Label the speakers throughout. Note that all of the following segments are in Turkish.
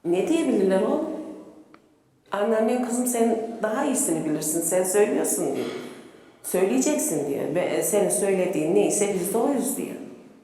Speaker 1: Ne diyebilirler oğlum? Anneannen kızım sen daha iyisini bilirsin, sen söylüyorsun diye. Söyleyeceksin diye ve senin söylediğin neyse biz de oyuz diye.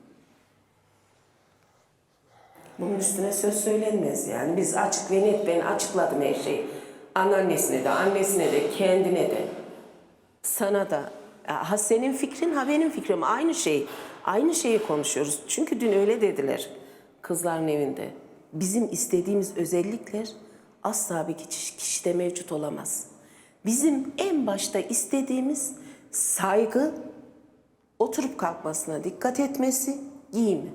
Speaker 1: Bunun üstüne söz söylenmez yani. Biz açık ve net, ben açıkladım her şeyi. Anneannesine de, annesine de, kendine de. Sana da. Ha senin fikrin, ha benim fikrim. Aynı şey. Aynı şeyi konuşuyoruz. Çünkü dün öyle dediler kızların evinde. Bizim istediğimiz özellikler asla bir kişide mevcut olamaz. Bizim en başta istediğimiz saygı, oturup kalkmasına dikkat etmesi, giyimi.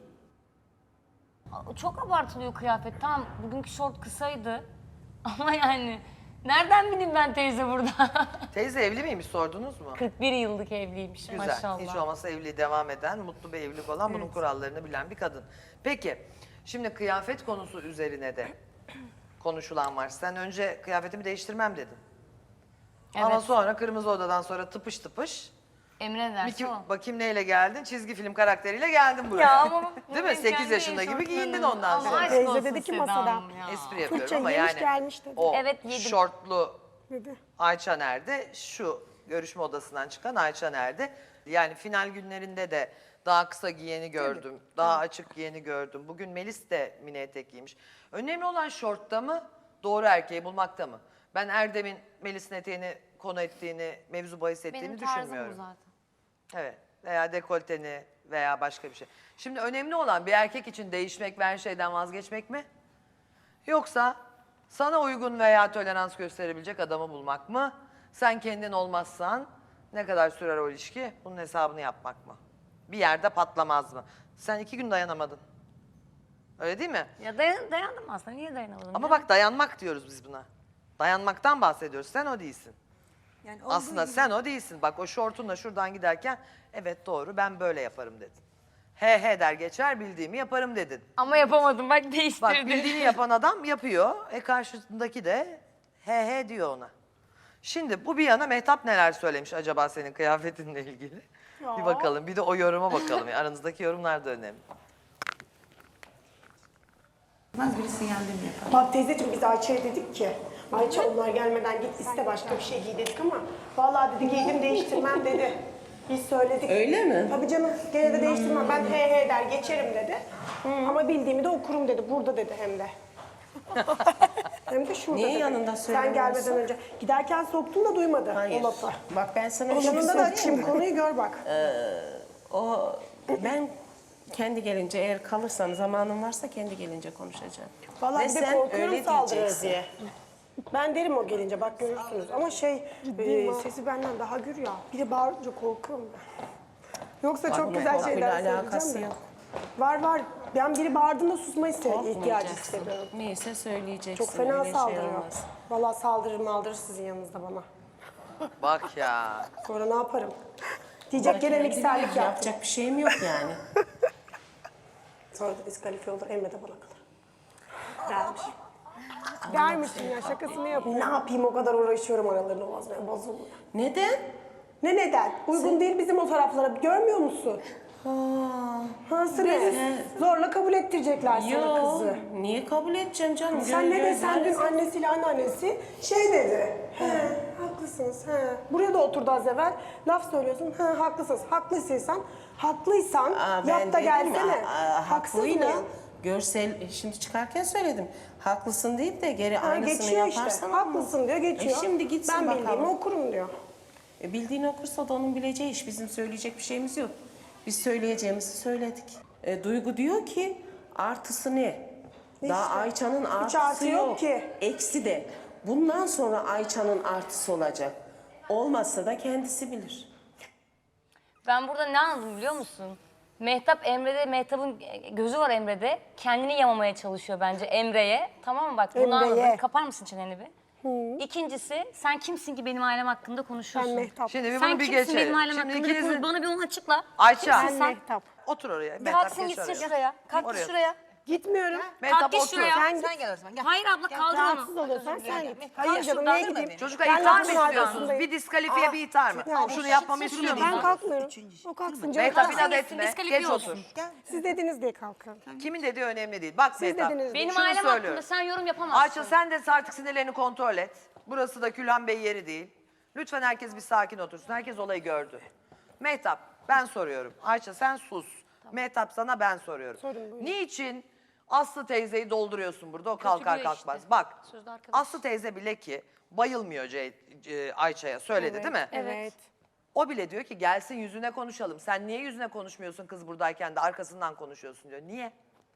Speaker 2: Çok abartılıyor kıyafet. Tamam bugünkü şort kısaydı. Ama yani nereden bileyim ben teyze burada?
Speaker 3: Teyze evli miymiş sordunuz mu?
Speaker 2: 41 yıllık evliymiş
Speaker 3: Güzel.
Speaker 2: maşallah.
Speaker 3: Hiç olmazsa evliliği devam eden, mutlu bir evlilik olan, bunun kurallarını bilen bir kadın. Peki, şimdi kıyafet konusu üzerine de konuşulan var. Sen önce kıyafetimi değiştirmem dedin.
Speaker 2: Evet.
Speaker 3: Ama sonra Kırmızı Oda'dan sonra tıpış tıpış.
Speaker 2: Emre derse o.
Speaker 3: Bakayım neyle geldin? Çizgi film karakteriyle geldin buraya.
Speaker 2: Ya ama bu
Speaker 3: Değil mi?
Speaker 2: benim
Speaker 3: 8
Speaker 2: kendi
Speaker 3: yaşında gibi giyindin
Speaker 2: eşofmanım.
Speaker 3: ondan
Speaker 2: Ama
Speaker 3: sonra.
Speaker 2: aşk
Speaker 4: Teyze
Speaker 2: olsun
Speaker 4: dedi ki
Speaker 2: Seda
Speaker 4: masada,
Speaker 2: Hanım ya.
Speaker 3: Espri yapıyorum
Speaker 4: Tuğçe
Speaker 3: ama
Speaker 4: yemiş
Speaker 3: yani
Speaker 4: gelmiş dedi.
Speaker 3: o
Speaker 2: Evet, yedim.
Speaker 3: şortlu
Speaker 4: Dedi.
Speaker 3: Ayça nerede? Şu görüşme odasından çıkan Ayça nerede? Yani final günlerinde de daha kısa giyeni gördüm, daha açık giyeni gördüm. Bugün Melis de mini etek giymiş. Önemli olan şortta mı, doğru erkeği bulmakta mı? Ben Erdem'in Melis'in eteğini konu ettiğini, mevzu bahis ettiğini
Speaker 2: Benim tarzım bu
Speaker 3: düşünmüyorum.
Speaker 2: zaten.
Speaker 3: Evet, veya dekolteni veya başka bir şey. Şimdi önemli olan bir erkek için değişmek ve her şeyden vazgeçmek mi? Yoksa sana uygun veya tolerans gösterebilecek adamı bulmak mı? Sen kendin olmazsan ne kadar sürer o ilişki? Bunun hesabını yapmak mı? Bir yerde patlamaz mı? Sen 2 gün dayanamadın. Öyle değil mi?
Speaker 2: Ya dayandım aslında. Niye dayanamadım?
Speaker 3: Ama
Speaker 2: ya?
Speaker 3: bak dayanmak diyoruz biz buna. Dayanmaktan bahsediyoruz. Sen o değilsin.
Speaker 4: Yani
Speaker 3: Aslında sen o değilsin. Bak o şortunla şuradan giderken evet doğru ben böyle yaparım dedin. He he der geçer bildiğimi yaparım dedin.
Speaker 2: Ama yapamadım bak
Speaker 3: Bak
Speaker 2: değiştirdim.
Speaker 3: bildiğini yapan adam yapıyor. Karşısındaki de he he diyor ona. Şimdi bu bir yana Mehtap neler söylemiş acaba senin kıyafetinle ilgili? Bir bakalım. Bir de o yoruma bakalım. Yani aranızdaki yorumlar da önemli.
Speaker 5: Biri sinyallerini yapar.
Speaker 4: Bak teyzeciğim biz Ayça'ya dedik ki Ayça onlar gelmeden git iste başka bir şey giy dedik ama vallahi dedi giydim değiştirmem dedi. Biz söyledik.
Speaker 1: Öyle mi?
Speaker 4: Tabii canım gene de değiştirmem ben he he der geçerim dedi. Ama bildiğimi de okurum dedi burada dedi hem de. Hem de şurada
Speaker 1: Niye
Speaker 4: dedi.
Speaker 1: yanında
Speaker 4: Sen
Speaker 1: söylemiyorsun?
Speaker 4: gelmeden önce. Giderken soktun da duymadı
Speaker 1: Hayır.
Speaker 4: o lafı.
Speaker 1: Bak ben sana
Speaker 4: Onun
Speaker 1: bir şey
Speaker 4: yanında da
Speaker 1: söyleyeyim
Speaker 4: açayım
Speaker 1: mi?
Speaker 4: konuyu gör bak.
Speaker 1: Ben kendi gelince eğer kalırsan zamanım varsa kendi gelince konuşacağım.
Speaker 4: Vallahi
Speaker 1: Ve
Speaker 4: bir de
Speaker 1: sen
Speaker 4: korkuyorum
Speaker 1: öyle
Speaker 4: saldırır
Speaker 1: diyeceksin.
Speaker 4: diye. Ben derim o gelince bak görürsünüz ama sesi benden daha gür ya. Biri bağırınca korkuyorum ben. Yoksa çok
Speaker 1: bunun
Speaker 4: güzel
Speaker 1: korkuyla
Speaker 4: şeyler
Speaker 1: alakası
Speaker 4: söyleyeceğim de.
Speaker 1: yok.
Speaker 4: Var. Ben biri bağırdığında susmayı ihtiyacı
Speaker 1: Korkmayacaksın.
Speaker 4: hissediyorum.
Speaker 1: Neyse söyleyeceksin.
Speaker 4: Çok fena
Speaker 1: öyle şey
Speaker 4: saldırıyor.
Speaker 1: olmaz.
Speaker 4: Vallahi saldırır sizin yanınızda bana.
Speaker 3: Bak ya.
Speaker 4: Sonra ne yaparım? Diyecek gene mikserlik yaptım.
Speaker 1: Yapacak bir şeyim yok yani.
Speaker 4: Sonra da diskalifiye olur Emre de bana kalır. Dermiş. Dermişim ya şakasını yapıyor. Ne yapayım o kadar uğraşıyorum aralarını bozmaya bozulmuyor.
Speaker 1: Neden?
Speaker 4: Ne neden? Uygun değil bizim o taraflara. Görmüyor musun? Ha sırrı. Zorla kabul ettirecekler sana
Speaker 1: Yok.
Speaker 4: kızı.
Speaker 1: Niye kabul edeceğim canım?
Speaker 4: Sen ne desen dün
Speaker 1: gözler-
Speaker 4: annesiyle anneannesi şey dedi. Haklısınız. Buraya da oturdu az evvel. Laf söylüyorsun. Haklısınız. Haklıysan
Speaker 1: Aa, ben
Speaker 4: yap da
Speaker 1: dedim
Speaker 4: gelsene.
Speaker 1: ya,
Speaker 4: Haksız
Speaker 1: haklıyla
Speaker 4: mıyım?
Speaker 1: görsel şimdi çıkarken söyledim. Haklısın deyip de geri
Speaker 4: Ha,
Speaker 1: aynısını
Speaker 4: geçiyor
Speaker 1: yaparsan
Speaker 4: işte.
Speaker 1: olmaz.
Speaker 4: Haklısın diyor geçiyor.
Speaker 1: Şimdi gitsin
Speaker 4: ben
Speaker 1: bakalım.
Speaker 4: bildiğimi okurum diyor.
Speaker 1: Bildiğini okursa da onun bileceği iş. Bizim söyleyecek bir şeyimiz yok. Biz söyleyeceğimizi söyledik. Duygu diyor ki artısı ne? Daha
Speaker 4: İşte,
Speaker 1: Ayça'nın
Speaker 4: hiç
Speaker 1: artısı
Speaker 4: artı yok
Speaker 1: yok.
Speaker 4: ki.
Speaker 1: Eksi de. Bundan sonra Ayça'nın artısı olacak. Olmazsa da kendisi bilir.
Speaker 2: Ben burada ne anladım biliyor musun? Mehtap'ın gözü var Emre'de. Kendini yamamaya çalışıyor bence Emre'ye. Tamam mı bak bunu
Speaker 4: Emre'ye.
Speaker 2: anladım. Kapar mısın çeneni bir? İkincisi sen kimsin ki benim ailem hakkında konuşuyorsun?
Speaker 4: Ben Mehtap.
Speaker 3: Şimdi bir
Speaker 2: Sen
Speaker 3: bunu bir
Speaker 2: kimsin
Speaker 3: geçelim.
Speaker 2: benim ailem
Speaker 3: Şimdi
Speaker 2: hakkında?
Speaker 3: ikinizin...
Speaker 2: Bana bir onu açıkla.
Speaker 3: Ayça.
Speaker 2: Kimsin sen?
Speaker 4: Mehtap.
Speaker 3: Otur oraya.
Speaker 2: Bir
Speaker 3: Mehtap
Speaker 2: kalksın
Speaker 3: geç
Speaker 2: gitsin
Speaker 3: oraya.
Speaker 2: şuraya. Kalk
Speaker 3: Oraya.
Speaker 2: şuraya.
Speaker 4: Gitmiyorum.
Speaker 3: Mehtap
Speaker 2: Kalk git
Speaker 3: otur.
Speaker 2: şuraya.
Speaker 4: Sen git.
Speaker 5: Sen gel o zaman gel.
Speaker 2: Hayır abla kaldır
Speaker 4: Rahatsız
Speaker 2: onu.
Speaker 4: oluyorsan sen git. Hayır
Speaker 5: Kalk
Speaker 4: canım
Speaker 5: şuradan,
Speaker 4: niye
Speaker 5: kaldırma
Speaker 4: gideyim?
Speaker 5: beni.
Speaker 3: Çocuklar
Speaker 4: Ben
Speaker 3: itham mı
Speaker 4: lafın
Speaker 3: istiyorsunuz?
Speaker 4: arkasındayım.
Speaker 3: Bir diskalifiye bir itham mı?
Speaker 4: Yani
Speaker 3: Şunu yapmamı istiyor
Speaker 4: Ben
Speaker 3: musunuz?
Speaker 4: kalkmıyorum. O kalksın canım.
Speaker 3: Mehtap
Speaker 4: Kalksın.
Speaker 3: inat
Speaker 2: Kalksın,
Speaker 3: etme.
Speaker 2: diskalifiye
Speaker 3: Geç
Speaker 2: olsun.
Speaker 3: otur.
Speaker 5: Gel.
Speaker 4: Siz dediniz diye kalkın.
Speaker 3: Kimin dediği önemli değil. Bak
Speaker 4: Siz
Speaker 3: Mehtap.
Speaker 4: dediniz.
Speaker 2: Benim
Speaker 3: Şunu
Speaker 2: ailem
Speaker 3: söylüyorum.
Speaker 2: hakkında sen yorum yapamazsın.
Speaker 3: Ayça sen de artık sinirlerini kontrol et. Burası da Külhan Bey yeri değil. Lütfen herkes bir sakin otursun. Herkes olayı gördü. Mehtap ben soruyorum. Ayça sen sus. Mehtap sana ben soruyorum.
Speaker 4: Sorun, buyurun.
Speaker 3: Niçin Aslı teyzeyi dolduruyorsun burada o kalkar
Speaker 2: Kötülüyor
Speaker 3: kalkmaz.
Speaker 2: işte.
Speaker 3: Bak
Speaker 2: Sözde arkadaş.
Speaker 3: Aslı teyze bile ki bayılmıyor Ayça'ya söyledi değil mi?
Speaker 4: Evet.
Speaker 3: O bile diyor ki gelsin yüzüne konuşalım. Sen niye yüzüne konuşmuyorsun kız buradayken de arkasından konuşuyorsun diyor. Niye?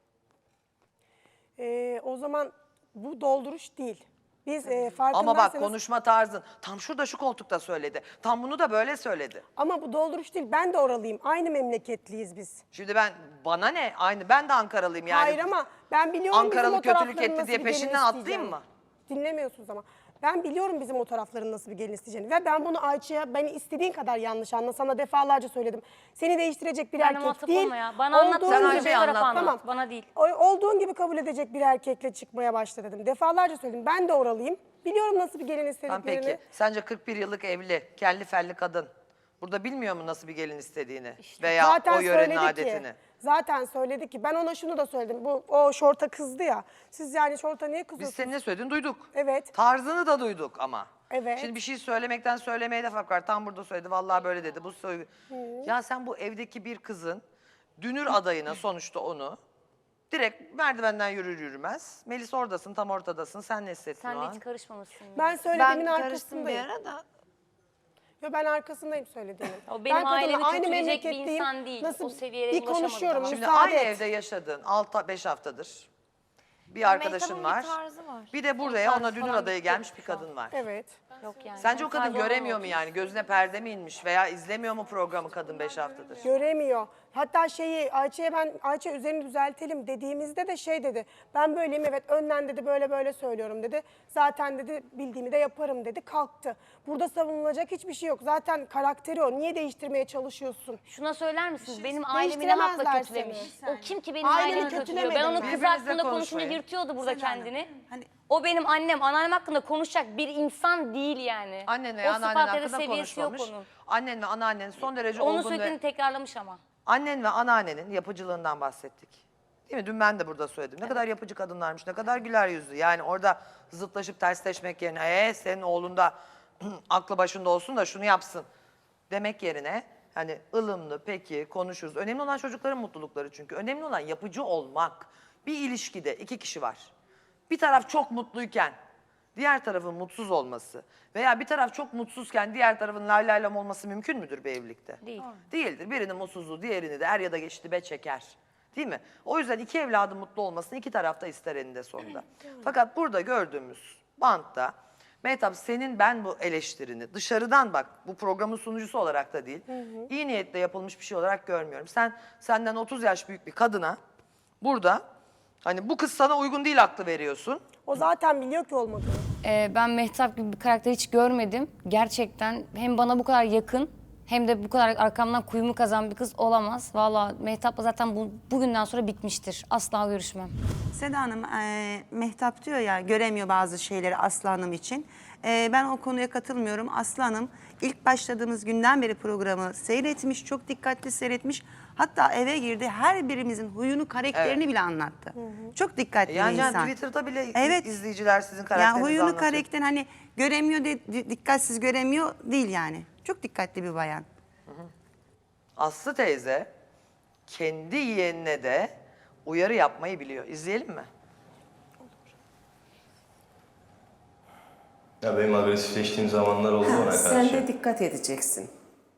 Speaker 4: O zaman bu dolduruş değil. Biz farkındaysanız...
Speaker 3: Ama bak konuşma tarzın. Tam şurada şu koltukta söyledi. Tam bunu da böyle söyledi.
Speaker 4: Ama bu dolduruş değil. Ben de oralıyım. Aynı memleketliyiz biz.
Speaker 3: Şimdi bana ne? Aynı ben de Ankaralıyım yani.
Speaker 4: Hayır ama ben biliyorum
Speaker 3: Ankaralı
Speaker 4: bizim o
Speaker 3: kötülük
Speaker 4: tarafların
Speaker 3: etti
Speaker 4: nasıl
Speaker 3: diye
Speaker 4: bir gelin
Speaker 3: peşinden atlayayım
Speaker 4: isteyeceğini.
Speaker 3: mı?
Speaker 4: Dinlemiyorsunuz ama. Ben biliyorum bizim o tarafların nasıl bir gelin isteyeceğini. Ve ben bunu Ayça'ya beni istediğin kadar yanlış anla. Sana defalarca söyledim. Seni değiştirecek bir
Speaker 2: Benle
Speaker 4: erkek
Speaker 2: muhatap
Speaker 4: değil.
Speaker 2: olma ya. Bana anlat,
Speaker 4: olduğun
Speaker 3: sen
Speaker 4: gibi-
Speaker 3: Ayça'ya anlat.
Speaker 2: Tamam. Bana değil.
Speaker 4: Olduğun gibi kabul edecek bir erkekle çıkmaya başla dedim. Defalarca söyledim. Ben de oralıyım. Biliyorum nasıl bir gelin
Speaker 3: Tamam
Speaker 4: istediklerini.
Speaker 3: peki. Sence 41 yıllık evli, kelli felli kadın. Burada bilmiyor mu nasıl bir gelin istediğini? Veya
Speaker 4: Zaten
Speaker 3: o yörenin
Speaker 4: söyledi
Speaker 3: adetini?
Speaker 4: ki. Zaten söyledi ki. Ben ona şunu da söyledim. O şorta kızdı ya. Siz yani şorta niye
Speaker 3: Biz
Speaker 4: kızıyorsunuz?
Speaker 3: senin ne söylediğini duyduk.
Speaker 4: Evet.
Speaker 3: Tarzını da duyduk ama.
Speaker 4: Evet.
Speaker 3: Şimdi bir şey söylemekten söylemeye de fark var. Tam burada söyledi. Vallahi böyle dedi. Bu Ya sen bu evdeki bir kızın dünür adayına sonuçta onu direkt merdivenden yürür yürümez. Melis oradasın, tam ortadasın. Sen ne hissettin
Speaker 2: Sen
Speaker 3: o
Speaker 2: de
Speaker 3: an?
Speaker 2: hiç karışmamışsın. ya.
Speaker 4: Ben söylediğimin
Speaker 5: Ben karıştım bir
Speaker 4: arkasındayım.
Speaker 5: ara da.
Speaker 4: Yo, ben arkasındayım söylediğimin.
Speaker 2: O benim
Speaker 4: Ben kadınla
Speaker 2: ailemi
Speaker 4: aynı
Speaker 2: kötüleyecek bir
Speaker 4: memleketliyim.
Speaker 2: insan değil.
Speaker 4: Nasıl
Speaker 2: O seviyelere
Speaker 4: bir
Speaker 2: ulaşamadı
Speaker 4: konuşuyorum.
Speaker 2: daha.
Speaker 3: Şimdi
Speaker 4: Müsaade
Speaker 3: aynı
Speaker 4: et.
Speaker 3: evde yaşadın 5 haftadır. Bir arkadaşın var. Bir de buraya ona dünür adayı gelmiş bir kadın var.
Speaker 4: Evet.
Speaker 2: Yok yani.
Speaker 3: Sence o kadın
Speaker 2: Sadece
Speaker 3: göremiyor mu
Speaker 2: olmadı.
Speaker 3: yani? Gözüne perde mi inmiş veya izlemiyor mu programı kadın 5 haftadır?
Speaker 4: Göremiyor. Hatta Ayça üzerini düzeltelim dediğimizde de şey dedi. Ben böyleyim evet önden dedi böyle söylüyorum dedi. Zaten dedi bildiğimi de yaparım dedi. Kalktı. Burada savunulacak hiçbir şey yok. Zaten karakteri o. Niye değiştirmeye çalışıyorsun?
Speaker 2: Şuna söyler misiniz? Benim ailemi ne hakla
Speaker 4: Değiştiremezler
Speaker 2: kötülemiş?
Speaker 4: seni.
Speaker 2: O kim ki benim
Speaker 4: Aileni
Speaker 2: ailemi kötülüyor? Ben
Speaker 4: kötülemedim
Speaker 2: onun
Speaker 4: ben.
Speaker 2: kız
Speaker 3: Birbirinizle
Speaker 2: hakkında konuşunu
Speaker 3: konuşmayın.
Speaker 2: yırtıyordu burada
Speaker 5: Seda Hanım,
Speaker 2: kendini.
Speaker 5: hani-
Speaker 2: O benim annem, anneannem hakkında konuşacak bir insan değil yani.
Speaker 3: Annenle
Speaker 2: O
Speaker 3: anneannen
Speaker 2: sıfat ya da
Speaker 3: hakkında
Speaker 2: seviyesi yok
Speaker 3: konuşmamış.
Speaker 2: onun.
Speaker 3: Annen ve anneannen son derece
Speaker 2: Onun
Speaker 3: olgun
Speaker 2: sürekli
Speaker 3: ve...
Speaker 2: tekrarlamış ama.
Speaker 3: Annen ve anneannenin yapıcılığından bahsettik. Değil mi? Dün ben de burada söyledim. Ne kadar yapıcı kadınlarmış, ne kadar güler yüzlü. Yani orada zıtlaşıp tersleşmek yerine senin oğlun da aklı başında olsun da şunu yapsın demek yerine hani ılımlı peki konuşuruz. Önemli olan çocukların mutlulukları çünkü. Önemli olan yapıcı olmak. Bir ilişkide 2 kişi var. Bir taraf çok mutluyken diğer tarafın mutsuz olması veya bir taraf çok mutsuzken diğer tarafın lay lay lam olması mümkün müdür bir evlilikte?
Speaker 2: Değil.
Speaker 3: Değildir. Birinin mutsuzluğu diğerini de er ya da geç dibe çeker. Değil mi? O yüzden 2 evladın mutlu olmasını 2 tarafta ister eninde sonunda. Fakat burada gördüğümüz bantta Mehtap senin ben bu eleştirini dışarıdan bak bu programın sunucusu olarak da değil iyi niyetle yapılmış bir şey olarak görmüyorum. Senden 30 yaş büyük bir kadına burada hani bu kız sana uygun değil aklı veriyorsun.
Speaker 4: O zaten biliyor ki olmadığını.
Speaker 2: Ben Mehtap gibi bir karakter hiç görmedim. Gerçekten hem bana bu kadar yakın hem de bu kadar arkamdan kuyumu kazan bir kız olamaz. Vallahi Mehtap'la zaten bugünden sonra bitmiştir. Asla görüşmem.
Speaker 5: Seda Hanım, Mehtap diyor ya göremiyor bazı şeyleri Aslı Hanım için. Ben o konuya katılmıyorum. Aslı Hanım ilk başladığımız günden beri programı seyretmiş, çok dikkatli seyretmiş. Hatta eve girdi her birimizin huyunu, karakterini bile anlattı. Çok dikkatli bir
Speaker 3: Yani
Speaker 5: insan.
Speaker 3: Twitter'da bile
Speaker 5: Evet.
Speaker 3: izleyiciler sizin
Speaker 5: Ya
Speaker 3: karakterinizi
Speaker 5: huyunu,
Speaker 3: anlatıyor.
Speaker 5: karakterini hani göremiyor, dikkatsiz göremiyor değil yani. Çok dikkatli bir bayan.
Speaker 3: Aslı teyze kendi yeğenine de uyarı yapmayı biliyor. İzleyelim mi?
Speaker 6: Ya benim agresifleştiğim zamanlar oldu ona karşı.
Speaker 1: Sen de dikkat edeceksin.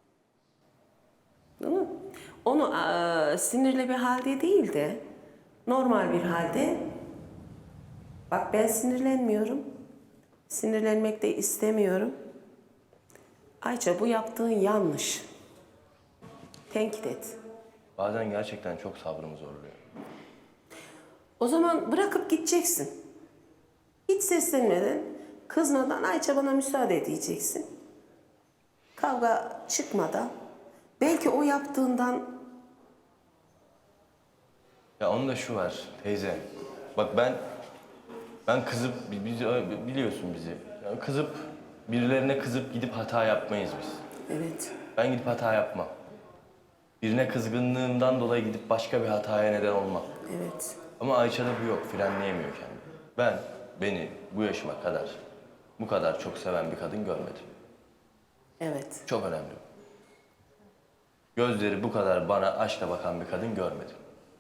Speaker 1: Değil mi? Onu sinirli bir halde değil de normal bir halde bak ben sinirlenmiyorum. Sinirlenmek de istemiyorum. Ayça bu yaptığın yanlış. Tenkit et.
Speaker 6: Bazen gerçekten çok sabrımı zorluyor.
Speaker 1: O zaman bırakıp gideceksin. Hiç seslenmeden, kızmadan Ayça bana müsaade diyeceksin. Kavga çıkmadan, belki o yaptığından
Speaker 6: Ya onun da şu var teyze. Bak ben kızıp biliyorsun bizi. Yani birilerine kızıp gidip hata yapmayız biz.
Speaker 1: Evet.
Speaker 6: Ben gidip hata yapmam. Birine kızgınlığımdan dolayı gidip başka bir hataya neden olmam.
Speaker 1: Evet.
Speaker 6: Ama Ayça'da bu yok, frenleyemiyor kendini. Beni bu yaşıma kadar bu kadar çok seven bir kadın görmedim.
Speaker 1: Evet.
Speaker 6: Çok önemli. Gözleri bu kadar bana aşkla bakan bir kadın görmedim.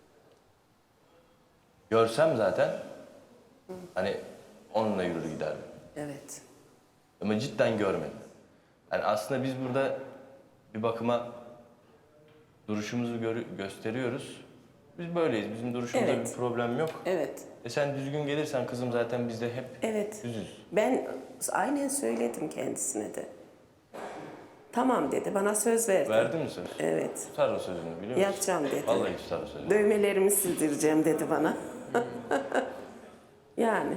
Speaker 6: Görsem zaten hani onunla yürür giderdim.
Speaker 1: Evet.
Speaker 6: Ama cidden görmedim. Yani aslında biz burada bir bakıma duruşumuzu gösteriyoruz. Biz böyleyiz. Bizim duruşumuzda
Speaker 1: Evet.
Speaker 6: bir problem yok.
Speaker 1: Evet.
Speaker 6: Sen düzgün gelirsen kızım zaten biz de hep
Speaker 1: Evet.
Speaker 6: düzüz.
Speaker 1: Ben aynen söyledim kendisine de. Tamam dedi. Bana söz verdi.
Speaker 6: Verdin mi söz?
Speaker 1: Evet.
Speaker 6: Tutar o sözünü biliyor musun?
Speaker 1: Yapacağım dedi.
Speaker 6: Vallahi tutar o sözünü.
Speaker 1: Dövmelerimi sildireceğim dedi bana. Yani.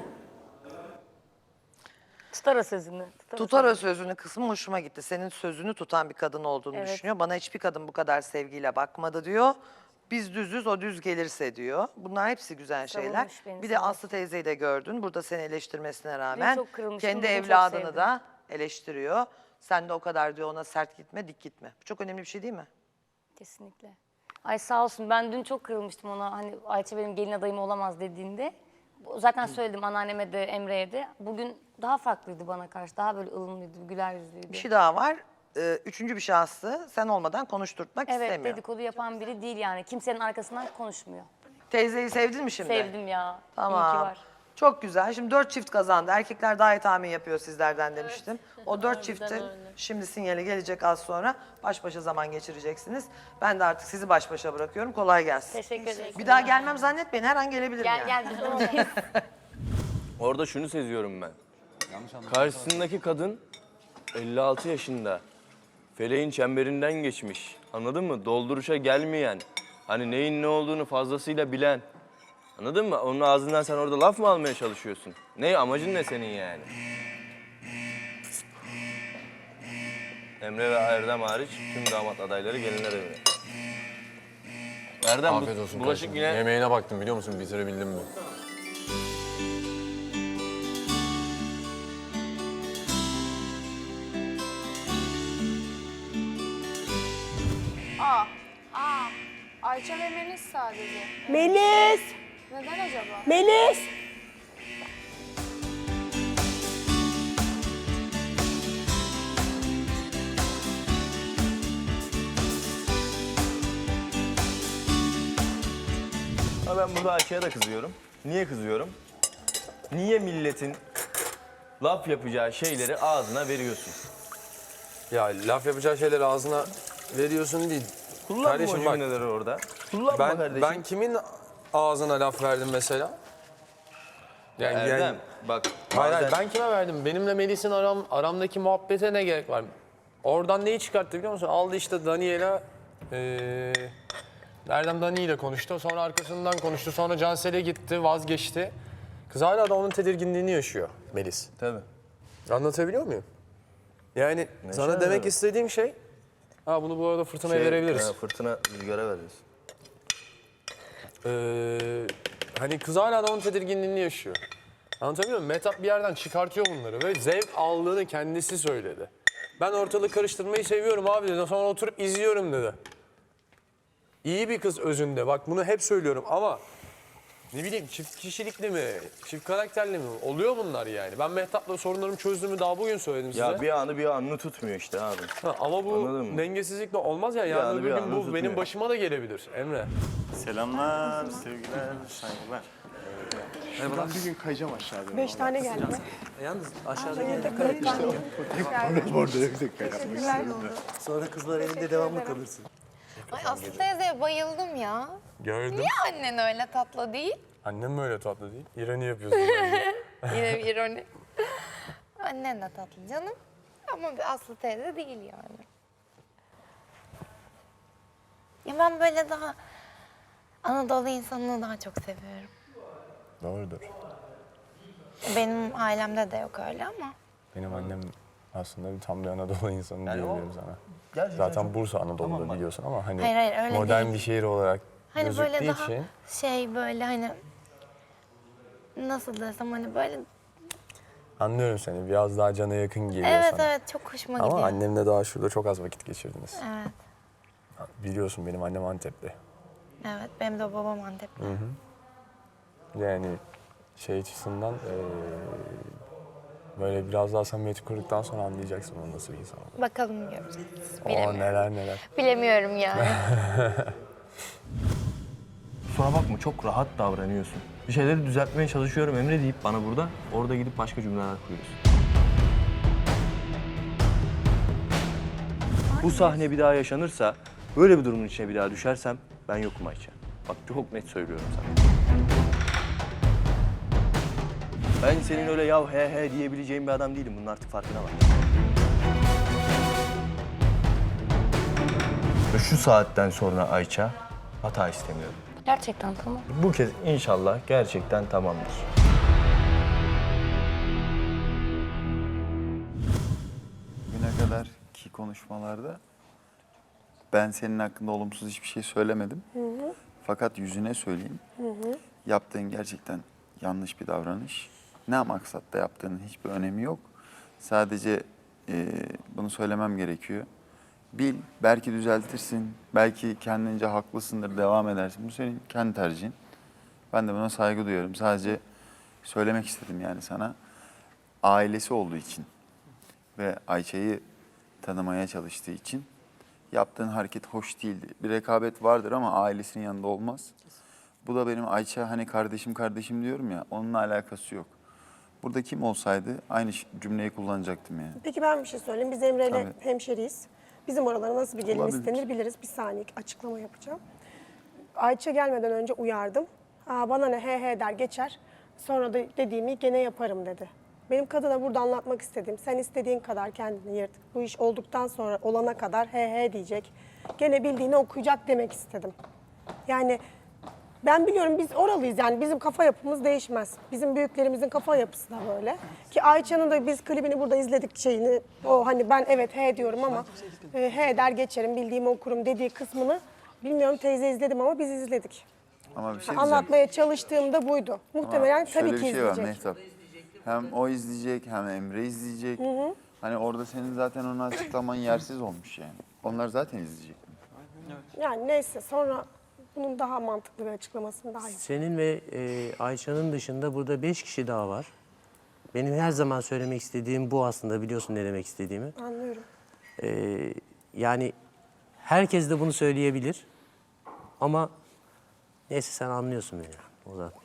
Speaker 2: Tutar o sözünü.
Speaker 3: Tutar o sözünü kısmı hoşuma gitti. Senin sözünü tutan bir kadın olduğunu
Speaker 2: Evet.
Speaker 3: düşünüyor. Bana hiçbir kadın bu kadar sevgiyle bakmadı diyor. Biz düzüz, o düz gelirse diyor. Bunlar hepsi güzel şeyler.
Speaker 2: Savunmuş beni,
Speaker 3: Bir de
Speaker 2: sağ ol.
Speaker 3: Aslı teyzeyi de gördün. Burada seni eleştirmesine rağmen
Speaker 2: çok kırılmıştım,
Speaker 3: kendi
Speaker 2: bugün çok
Speaker 3: evladını
Speaker 2: sevdim.
Speaker 3: da eleştiriyor. Sen de o kadar diyor ona sert gitme, dik gitme. Bu çok önemli bir şey değil mi?
Speaker 2: Kesinlikle. Ay sağ olsun, ben dün çok kırılmıştım ona, hani Ayça benim gelin adayım olamaz dediğinde. Zaten söyledim anneanneme de Emre'ye de. Bugün daha farklıydı bana karşı, daha böyle ılımlıydı, güler yüzlüydü.
Speaker 3: Bir şey daha var. Üçüncü bir şahsı sen olmadan konuşturtmak
Speaker 2: Evet,
Speaker 3: istemiyor.
Speaker 2: dedikodu yapan biri değil yani. Kimsenin arkasından konuşmuyor.
Speaker 3: Teyzeyi sevdin mi şimdi?
Speaker 2: Sevdim ya. İyi ki
Speaker 3: Tamam.
Speaker 2: var.
Speaker 3: Çok güzel. Şimdi 4 çift kazandı. Erkekler daha iyi tahmin yapıyor sizlerden demiştim. O 4 çifti şimdi sinyali gelecek az sonra. Baş başa zaman geçireceksiniz. Ben de artık sizi baş başa bırakıyorum. Kolay gelsin.
Speaker 2: Teşekkür ederim.
Speaker 3: Bir daha gelmem zannetmeyin. Her an gelebilirim
Speaker 2: Gel
Speaker 3: yani.
Speaker 2: gel biz oradayız.
Speaker 6: Orada şunu seziyorum ben. Karşısındaki kadın 56 yaşında. Feleğin çemberinden geçmiş. Anladın mı? Dolduruşa gelmeyen. Hani neyin ne olduğunu fazlasıyla bilen. Anladın mı? Onun ağzından sen orada laf mı almaya çalışıyorsun? Ne? Amacın ne senin yani? Emre ve Erdem hariç tüm damat adayları gelinler evine. Erdem
Speaker 7: Afiyet olsun
Speaker 6: bulaşık
Speaker 7: kardeşim.
Speaker 6: yine...
Speaker 7: Yemeğine baktım biliyor musun? Bitirebildim mi?
Speaker 8: Ayça ve Melis sadece.
Speaker 4: Melis!
Speaker 8: Neden acaba?
Speaker 4: Melis!
Speaker 6: Ama ben burada Ayça'ya da kızıyorum. Niye kızıyorum? Niye milletin laf yapacağı şeyleri ağzına veriyorsun?
Speaker 7: Ya laf yapacağı şeyleri ağzına veriyorsun değil.
Speaker 6: Kullanma
Speaker 7: Kardeşim
Speaker 6: o
Speaker 7: bak,
Speaker 6: cümleleri orada. Kullanma kardeşim.
Speaker 7: ben kimin ağzına laf verdim mesela?
Speaker 6: Erdem bak
Speaker 7: Hayır,
Speaker 6: bazen-
Speaker 7: ben kime verdim? Benimle Melis'in aramdaki muhabbete ne gerek var? Oradan neyi çıkarttı biliyor musun? Aldı işte Daniel'a... Erdem Dani ile konuştu. Sonra arkasından konuştu. Sonra Cansel'e gitti, vazgeçti. Kız hala da onun tedirginliğini yaşıyor Melis.
Speaker 6: Tabii.
Speaker 7: Anlatabiliyor muyum? Yani sana demek
Speaker 6: tabii.
Speaker 7: istediğim şey... Ha bunu bu arada Fırtına'ya verebiliriz.
Speaker 6: Fırtına rüzgara veririz.
Speaker 7: Hani kız hala da onun tedirginliğini yaşıyor. Anlatabiliyor muyum? Mehtap bir yerden çıkartıyor bunları ve zevk aldığını kendisi söyledi. Ben ortalığı karıştırmayı seviyorum abi dedi. Sonra oturup izliyorum dedi. İyi bir kız özünde. Bak bunu hep söylüyorum ama ne bileyim çift kişilikli mi, çift karakterli mi? Oluyor bunlar yani. Ben Mehtap'la sorunlarımı çözdüğümü daha bugün söyledim size.
Speaker 6: Ya bir anı bir anını tutmuyor işte abi.
Speaker 7: Ha, ama bu
Speaker 6: Anladın mı?
Speaker 7: dengesizlikle olmaz ya. Yarın
Speaker 6: anı
Speaker 7: öbür
Speaker 6: bir
Speaker 7: gün
Speaker 6: anı
Speaker 7: bu
Speaker 6: tutmuyor.
Speaker 7: benim başıma da gelebilir Emre.
Speaker 9: Selamlar, sevgiler, saygılar. Merhabalar. Bir gün kayacağım aşağıda.
Speaker 4: 5 tane geldi.
Speaker 9: Yalnız aşağıda sonra kızlar elinde devamlı kalırsın.
Speaker 8: Ay Aslı teyzeye bayıldım ya.
Speaker 7: Gördüm.
Speaker 8: Niye annen öyle tatlı değil?
Speaker 7: Annem mi öyle tatlı değil? İroni yapıyorsun bence.
Speaker 8: Yine bir ironi. Annen de tatlı canım. Ama bir Aslı teyze değil yani. Ya ben böyle daha Anadolu insanını daha çok seviyorum.
Speaker 7: Doğrudur.
Speaker 8: Benim ailemde de yok öyle ama.
Speaker 7: Benim annem aslında tam bir Anadolu insanı
Speaker 6: Yani o-
Speaker 7: diyebilirim sana.
Speaker 6: Gerçekten
Speaker 7: Zaten Bursa Anadolu'da biliyorsun ama hani
Speaker 8: Hayır, öyle
Speaker 7: modern
Speaker 8: değil.
Speaker 7: bir şehir olarak
Speaker 8: Hani böyle
Speaker 7: Gözüktüğü
Speaker 8: daha
Speaker 7: için.
Speaker 8: şey böyle hani nasıl desem hani böyle
Speaker 7: Anlıyorum seni. Biraz daha cana yakın geliyor
Speaker 8: evet
Speaker 7: sana.
Speaker 8: evet çok hoşuma
Speaker 7: Ama
Speaker 8: gidiyor.
Speaker 7: annemle daha şurada çok az vakit geçirdiniz.
Speaker 8: Evet.
Speaker 7: Biliyorsun benim annem Antepli.
Speaker 8: Evet benim de babam Antepli.
Speaker 7: Yani şey açısından böyle biraz daha samimiyeti kurduktan sonra anlayacaksın onun nasıl bir insan olduğunu.
Speaker 8: Bakalım göreceğiz.
Speaker 7: Oo
Speaker 8: Bilemiyorum.
Speaker 7: neler neler.
Speaker 8: Bilemiyorum yani.
Speaker 6: Kusura bakma çok rahat davranıyorsun. Bir şeyleri düzeltmeye çalışıyorum Emre deyip bana burada, orada gidip başka cümleler kuruyorsun. Bu sahne bir daha yaşanırsa, böyle bir durumun içine bir daha düşersem ben yokum Ayça. Bak çok net söylüyorum sana. Ben senin öyle yav he he diyebileceğin bir adam değilim. Bunun artık farkına var. Ve şu saatten sonra Ayça hata istemiyorum.
Speaker 2: Gerçekten tamam.
Speaker 6: Bu kez inşallah gerçekten tamamdır.
Speaker 10: Bugüne kadarki konuşmalarda ben senin hakkında olumsuz hiçbir şey söylemedim. Fakat yüzüne söyleyeyim. Yaptığın gerçekten yanlış bir davranış. Ne maksatla yaptığının hiçbir önemi yok. Sadece bunu söylemem gerekiyor. Bil, belki düzeltirsin, belki kendince haklısındır, devam edersin. Bu senin kendi tercihin. Ben de buna saygı duyuyorum. Sadece söylemek istedim yani sana. Ailesi olduğu için ve Ayça'yı tanımaya çalıştığı için yaptığın hareket hoş değildi. Bir rekabet vardır ama ailesinin yanında olmaz. Bu da benim Ayça hani kardeşim kardeşim diyorum ya, onunla alakası yok. Burada kim olsaydı aynı cümleyi kullanacaktım yani.
Speaker 4: Peki ben bir şey söyleyeyim. Biz Emre'yle
Speaker 10: Tabii.
Speaker 4: hemşeriyiz. Bizim oralara nasıl bir gelin
Speaker 10: Olabilir.
Speaker 4: istenir biliriz. Bir saniye açıklama yapacağım. Ayça gelmeden önce uyardım. Bana ne he he der geçer. Sonra da dediğimi gene yaparım dedi. Benim kadına burada anlatmak istediğim, sen istediğin kadar kendini yırt. Bu iş olduktan sonra olana kadar he he diyecek. Gene bildiğini okuyacak demek istedim. Yani ben biliyorum biz oralıyız yani bizim kafa yapımız değişmez. Bizim büyüklerimizin kafa yapısı da böyle. Ki Ayça'nın da biz klibini burada izledik şeyini. O hani ben evet he diyorum ama he der geçerim bildiğimi okurum dediği kısmını bilmiyorum teyze izledim ama biz izledik.
Speaker 10: Ama bir şey diyeceğim.
Speaker 4: Anlatmaya çalıştığımda buydu. Muhtemelen
Speaker 10: Ama şöyle
Speaker 4: tabii ki
Speaker 10: bir şey var
Speaker 4: izleyecek.
Speaker 10: Mehtap. Hem o izleyecek hem Emre izleyecek. Hani orada senin zaten onu açıklaman yersiz olmuş yani. Onlar zaten izleyecek.
Speaker 4: Yani neyse sonra bunun daha mantıklı bir açıklamasını daha yapayım.
Speaker 11: Senin ve Ayça'nın dışında burada 5 kişi daha var. Benim her zaman söylemek istediğim bu aslında, biliyorsun ne demek istediğimi.
Speaker 4: Anlıyorum.
Speaker 11: Yani herkes de bunu söyleyebilir. Ama neyse sen anlıyorsun beni. O da.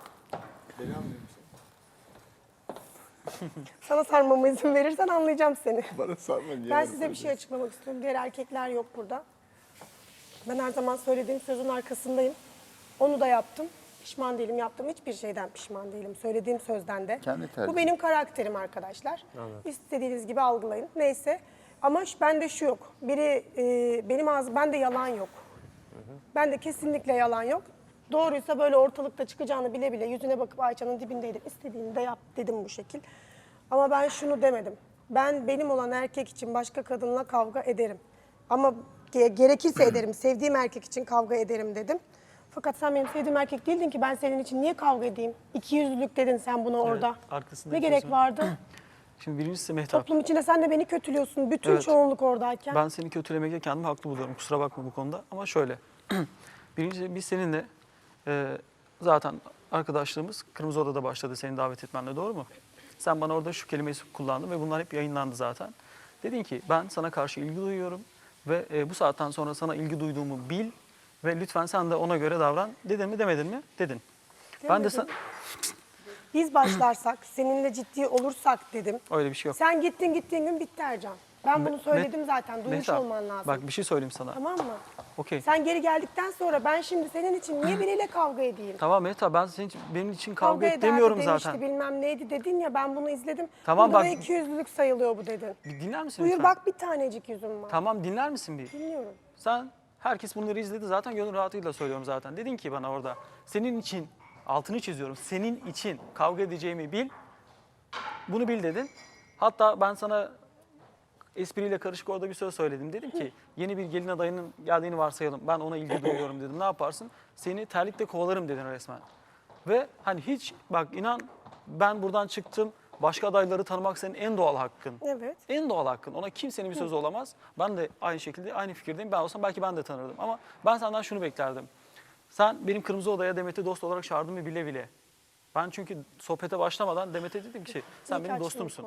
Speaker 4: Sana sarmama izin verirsen anlayacağım seni.
Speaker 10: Bana sarma niye?
Speaker 4: Ben size bir şey açıklamak istiyorum. Diğer erkekler yok burada. Ben her zaman söylediğim sözün arkasındayım. Onu da yaptım. Pişman değilim. Yaptığım hiçbir şeyden pişman değilim. Söylediğim sözden de.
Speaker 10: Kendi tercih.
Speaker 4: Bu benim karakterim arkadaşlar. İstediğiniz gibi algılayın. Neyse. Ama bende şu yok. Benim ağzım, bende yalan yok. Bende kesinlikle yalan yok. Doğruysa böyle ortalıkta çıkacağını bile bile yüzüne bakıp Ayça'nın dibindeydim. İstediğini de yap dedim bu şekil. Ama ben şunu demedim. Ben benim olan erkek için başka kadınla kavga ederim. Ama gerekirse ederim. Sevdiğim erkek için kavga ederim dedim. Fakat sen benim sevdiğim erkek değildin ki ben senin için niye kavga edeyim? İkiyüzlülük dedin sen buna orada.
Speaker 12: arkasında
Speaker 4: Ne
Speaker 12: bir
Speaker 4: gerek
Speaker 12: sözüm.
Speaker 4: vardı?
Speaker 12: Şimdi birincisi Mehtap.
Speaker 4: Toplum içinde sen de beni kötülüyorsun. Bütün
Speaker 12: Evet.
Speaker 4: çoğunluk oradayken.
Speaker 12: Ben seni kötülemekte kendimi haklı buluyorum. Kusura bakma bu konuda. Ama şöyle. Birincisi biz seninle zaten arkadaşlığımız Kırmızı Oda'da başladı seni davet etmenle, doğru mu? Sen bana orada şu kelimeyi kullandın ve bunlar hep yayınlandı zaten. Dedin ki ben sana karşı ilgi duyuyorum ve bu saatten sonra sana ilgi duyduğumu bil ve lütfen sen de ona göre davran. Dedin mi demedin mi? Dedin. Ben de
Speaker 4: Biz başlarsak, seninle ciddi olursak dedim.
Speaker 12: öyle bir şey yok.
Speaker 4: Sen gittiğin gün bitti Ercan. Ben bunu söyledim
Speaker 12: Met-
Speaker 4: zaten. Duymuş
Speaker 12: Mehtap,
Speaker 4: olman lazım.
Speaker 12: Bak bir şey söyleyeyim sana.
Speaker 4: Tamam mı?
Speaker 12: Okey.
Speaker 4: Sen geri geldikten sonra ben şimdi senin için niye biriyle kavga edeyim?
Speaker 12: Tamam Mehtap, ben senin için, benim için kavga et
Speaker 4: ederdi
Speaker 12: demiyorum
Speaker 4: demişti,
Speaker 12: zaten.
Speaker 4: bilmem neydi dedin ya ben bunu izledim.
Speaker 12: Tamam,
Speaker 4: Burada
Speaker 12: bak-
Speaker 4: da ikiyüzlülük sayılıyor bu dedin.
Speaker 12: Bir dinler misin
Speaker 4: Buyur
Speaker 12: lütfen?
Speaker 4: bak bir tanecik yüzüm var.
Speaker 12: Tamam, dinler misin bir?
Speaker 4: Dinliyorum.
Speaker 12: Sen, herkes bunları izledi zaten, gönül rahatlığıyla söylüyorum zaten. Dedin ki bana orada, senin için, altını çiziyorum, senin için kavga edeceğimi bil, bunu bil dedin. Hatta ben sana espriyle karışık orada bir söz söyledim. Dedim ki yeni bir gelin adayının geldiğini varsayalım. Ben ona ilgi duyuyorum dedim. Ne yaparsın? Seni terlikle kovalarım dedin resmen. Ve hani hiç bak inan ben buradan çıktım. Başka adayları tanımak senin en doğal hakkın.
Speaker 4: Evet.
Speaker 12: En doğal hakkın. Ona kimsenin bir sözü olamaz. Ben de aynı şekilde aynı fikirdeyim. Ben olsam belki ben de tanırdım. Ama ben senden şunu beklerdim. Sen benim Kırmızı Oda'ya Demet'i dost olarak çağırdın mı bile bile. Ben çünkü sohbete başlamadan Demet'e dedim ki sen benim dostumsun.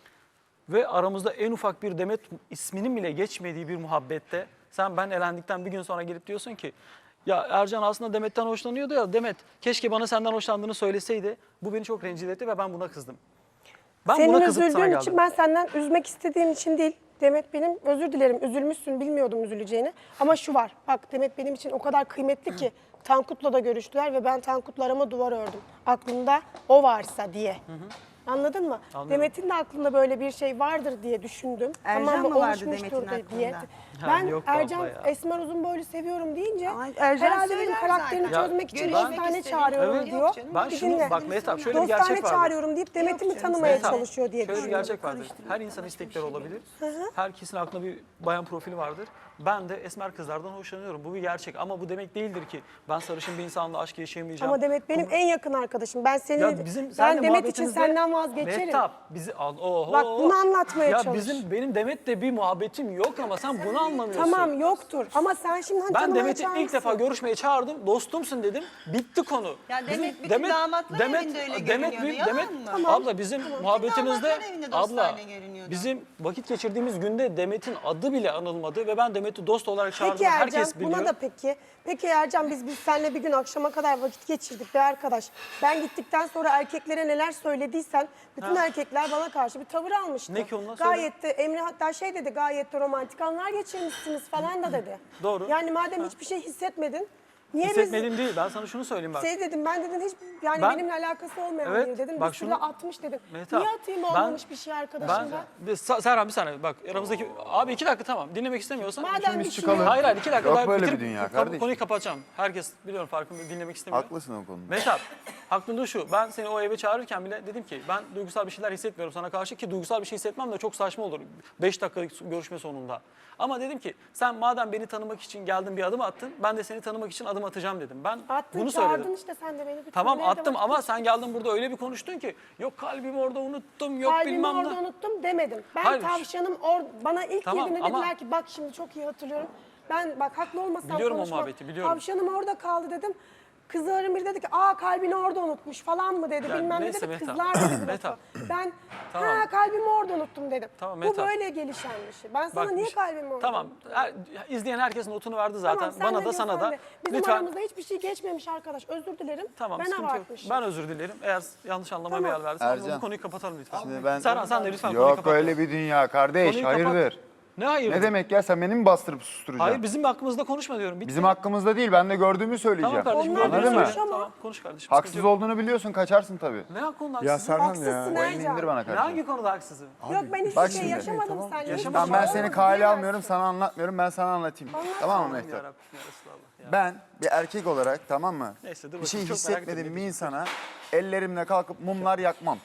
Speaker 12: Ve aramızda en ufak bir Demet isminin bile geçmediği bir muhabbette sen ben elendikten bir gün sonra gelip diyorsun ki ya Ercan aslında Demet'ten hoşlanıyordu ya Demet keşke bana senden hoşlandığını söyleseydi. Bu beni çok rencide etti ve ben buna kızdım. Ben
Speaker 4: Senin
Speaker 12: buna kızıp sana
Speaker 4: üzüldüğün
Speaker 12: geldim.
Speaker 4: için ben senden üzmek istediğim için değil. Demet benim, özür dilerim, üzülmüşsün, bilmiyordum üzüleceğini. Ama şu var, bak Demet benim için o kadar kıymetli ki Tankut'la da görüştüler ve ben Tankut'la arama duvar ördüm. Aklımda o varsa diye. Anladın mı?
Speaker 12: Anladım.
Speaker 4: Demet'in de aklında böyle bir şey vardır diye düşündüm.
Speaker 5: Ercan mı vardı
Speaker 4: oluşmuştur
Speaker 5: Demet'in
Speaker 4: diye.
Speaker 5: aklında?
Speaker 4: Ben
Speaker 12: yok
Speaker 4: Ercan
Speaker 12: abla ya.
Speaker 4: Esmer Uzunboylu seviyorum deyince
Speaker 5: Ama Ercan
Speaker 4: herhalde benim
Speaker 5: söyler
Speaker 4: karakterini
Speaker 5: zaten.
Speaker 4: çözmek için
Speaker 12: Ya,
Speaker 4: dostane çağırıyorum
Speaker 12: Evet.
Speaker 4: diyor.
Speaker 12: Ben
Speaker 4: Bir
Speaker 12: şunu
Speaker 4: dinle.
Speaker 12: bak Mehtap şöyle bir
Speaker 4: Dostane
Speaker 12: gerçek vardır.
Speaker 4: çağırıyorum deyip Demet'i mi tanımaya
Speaker 12: Mehtap,
Speaker 4: çalışıyor diye
Speaker 12: şöyle bir
Speaker 4: düşünüyorum.
Speaker 12: gerçek vardır. Her insan istekleri olabilir. Herkesin aklında bir bayan profili vardır. Ben de esmer kızlardan hoşlanıyorum. Bu bir gerçek ama bu demek değildir ki ben sarışın bir insanla aşk yaşayamayacağım.
Speaker 4: Ama Demet benim en yakın arkadaşım. Ben senin,
Speaker 12: Ya bizim
Speaker 4: ben
Speaker 12: seninle
Speaker 4: Demet için
Speaker 12: muhabbetimizde-
Speaker 4: senden vazgeçerim.
Speaker 12: Mehtap bizi oho.
Speaker 4: Bak, bunu anlatmaya
Speaker 12: ya
Speaker 4: çalış.
Speaker 12: benim Demet'le bir muhabbetim yok ama sen bunu anlamıyorsun.
Speaker 4: Tamam yoktur ama sen şimdi hani
Speaker 12: Ben
Speaker 4: tanımaya
Speaker 12: Demet'i ilk
Speaker 4: çağırmışsın.
Speaker 12: defa görüşmeye çağırdım. Dostumsun dedim. Bitti konu.
Speaker 5: Ya
Speaker 12: Bizim-
Speaker 5: Demet bütün damatlar evinde öyle görünüyordu, yalan mı? Tamam.
Speaker 12: Abla bizim muhabbetimizde
Speaker 5: damatlar evinde dostane görünüyordu.
Speaker 12: bizim vakit geçirdiğimiz günde Demet'in adı bile anılmadı ve ben Demet'i dost olarak çağırdım.
Speaker 4: Peki Ercan,
Speaker 12: Herkes biliyor.
Speaker 4: buna da peki. Peki Ercan biz seninle bir gün akşama kadar vakit geçirdik be arkadaş. Ben gittikten sonra erkeklere neler söylediysen bütün erkekler bana karşı bir tavır almıştı.
Speaker 12: Ne ki onlar
Speaker 4: Gayet de Emre hatta şey dedi, gayet de romantik anlar geçirmişsiniz falan da dedi.
Speaker 12: Doğru.
Speaker 4: Yani madem hiçbir şey hissetmedin, niye
Speaker 12: Hissetmedim değil. Ben sana şunu söyleyeyim bak.
Speaker 4: Şey dedim, ben dedim hiç yani
Speaker 12: Ben-
Speaker 4: benimle alakası olmayan
Speaker 12: Evet,
Speaker 4: biri dedim.
Speaker 12: bak
Speaker 4: Bir sürü
Speaker 12: şunu-
Speaker 4: 60 dedim.
Speaker 12: Mehtap,
Speaker 4: Niye atayım olmamış bir şey arkadaşımda?
Speaker 12: Serhan bir saniye bak aramızdaki abi 2 dakika tamam dinlemek istemiyorsan.
Speaker 4: Madem
Speaker 10: biz
Speaker 4: bir şey
Speaker 10: çıkalım.
Speaker 12: Hayır 2 dakika
Speaker 10: Yok
Speaker 12: daha
Speaker 10: böyle
Speaker 12: bitirip
Speaker 10: bir dünya kardeşim.
Speaker 12: konuyu kapatacağım. Herkes biliyorum farkında dinlemek istemiyor.
Speaker 10: Haklısın o konuda.
Speaker 12: Mehtap, aklında şu, ben seni o eve çağırırken bile dedim ki ben duygusal bir şeyler hissetmiyorum sana karşı ki duygusal bir şey hissetmem de çok saçma olur 5 dakikalık görüşme sonunda. Ama dedim ki sen madem beni tanımak için geldin bir adım attın ben de seni tanımak için adım atacağım dedim. Ben
Speaker 4: Attın,
Speaker 12: bunu
Speaker 4: çağırdın
Speaker 12: söyledim.
Speaker 4: işte sen de beni. Bir
Speaker 12: Tamam
Speaker 4: tanımaya da
Speaker 12: attım
Speaker 4: vakit
Speaker 12: ama sen geldin burada öyle bir konuştun ki yok kalbimi orada unuttum yok
Speaker 4: Kalbimi
Speaker 12: bilmem
Speaker 4: orada
Speaker 12: ne.
Speaker 4: unuttum demedim. Ben
Speaker 12: Hayır.
Speaker 4: tavşanım bana ilk
Speaker 12: Tamam,
Speaker 4: girdiğinde
Speaker 12: ama-
Speaker 4: dediler ki bak şimdi çok iyi hatırlıyorum. Ben bak haklı olmasam
Speaker 12: Biliyorum o
Speaker 4: konuşmam.
Speaker 12: muhabbeti, biliyorum.
Speaker 4: Tavşanım orada kaldı dedim. Kızların biri dedi ki kalbini orada unutmuş falan mı dedi.
Speaker 12: Ya
Speaker 4: Bilmem ne
Speaker 12: neyse
Speaker 4: dedi.
Speaker 12: Mehtap.
Speaker 4: Kızlar dedi bu
Speaker 12: Mehtap.
Speaker 4: lafı. Ben
Speaker 12: Tamam.
Speaker 4: kalbimi orada unuttum dedim.
Speaker 12: Tamam,
Speaker 4: Bu
Speaker 12: Mehtap.
Speaker 4: böyle gelişen bir şey. Ben sana
Speaker 12: Bak,
Speaker 4: niye
Speaker 12: bir şey-
Speaker 4: kalbimi orada
Speaker 12: Tamam.
Speaker 4: unuttum?
Speaker 12: İzleyen herkesin notunu verdi zaten.
Speaker 4: Tamam, sen
Speaker 12: Bana
Speaker 4: ne
Speaker 12: da
Speaker 4: diyorsan
Speaker 12: sana da.
Speaker 4: de. Bizim
Speaker 12: Lütfen.
Speaker 4: aramızda hiçbir şey geçmemiş arkadaş. Özür dilerim.
Speaker 12: Tamam
Speaker 4: ben
Speaker 12: sıkıntı yok.
Speaker 4: abartmışım.
Speaker 12: Ben özür dilerim. Eğer yanlış anlamaya
Speaker 4: Tamam.
Speaker 12: yer verdiysen
Speaker 10: Ercan,
Speaker 12: bu konuyu kapatalım lütfen.
Speaker 10: Şimdi ben...
Speaker 12: Serhan sen de lütfen konuyu
Speaker 10: Yok
Speaker 12: kapat.
Speaker 10: öyle bir dünya kardeş.
Speaker 12: Konuyu kapat.
Speaker 10: Hayırdır?
Speaker 12: Ne hayır?
Speaker 10: Ne demek ya sen beni mi bastırıp susturacaksın?
Speaker 12: Hayır bizim hakkımızda konuşma diyorum. Bitti.
Speaker 10: Bizim hakkımızda değil ben de gördüğümü söyleyeceğim.
Speaker 12: Tamam kardeşim.
Speaker 4: Onlar
Speaker 12: gördüğünü
Speaker 10: Anladın mı?
Speaker 12: söyle.
Speaker 4: ama.
Speaker 12: Tamam konuş kardeşim.
Speaker 10: Haksız
Speaker 12: sıkıntı yok.
Speaker 10: olduğunu biliyorsun kaçarsın tabii.
Speaker 12: Ne konuda
Speaker 9: Ya
Speaker 12: haksızım?
Speaker 9: Serhan
Speaker 4: Haksızsın
Speaker 9: ya.
Speaker 10: O elini
Speaker 4: Ercan.
Speaker 10: indir bana
Speaker 12: Ne
Speaker 10: kardeşim.
Speaker 12: hangi konuda haksızım?
Speaker 4: Yok ben hiçbir
Speaker 10: bak
Speaker 4: şey
Speaker 10: şimdi.
Speaker 4: yaşamadım
Speaker 12: Tamam,
Speaker 4: seninle.
Speaker 12: yaşamadım.
Speaker 4: Hiçbir
Speaker 10: Ben
Speaker 4: şey
Speaker 10: seni
Speaker 4: olmadı
Speaker 10: kale
Speaker 4: diyemezsin.
Speaker 10: almıyorum sana anlatmıyorum ben sana anlatayım.
Speaker 4: Anlat.
Speaker 10: Tamam mı
Speaker 12: Ya
Speaker 10: Mehtap?
Speaker 12: Rabbim ya Resulallah ya.
Speaker 10: Ben bir erkek olarak tamam mı?
Speaker 12: Neyse, dur
Speaker 10: bir şey
Speaker 12: bakayım, çok merak ettim,
Speaker 10: hissetmediğim
Speaker 12: ne
Speaker 10: bir
Speaker 12: diyeceksin?
Speaker 10: insana ellerimle kalkıp mumlar yakmam.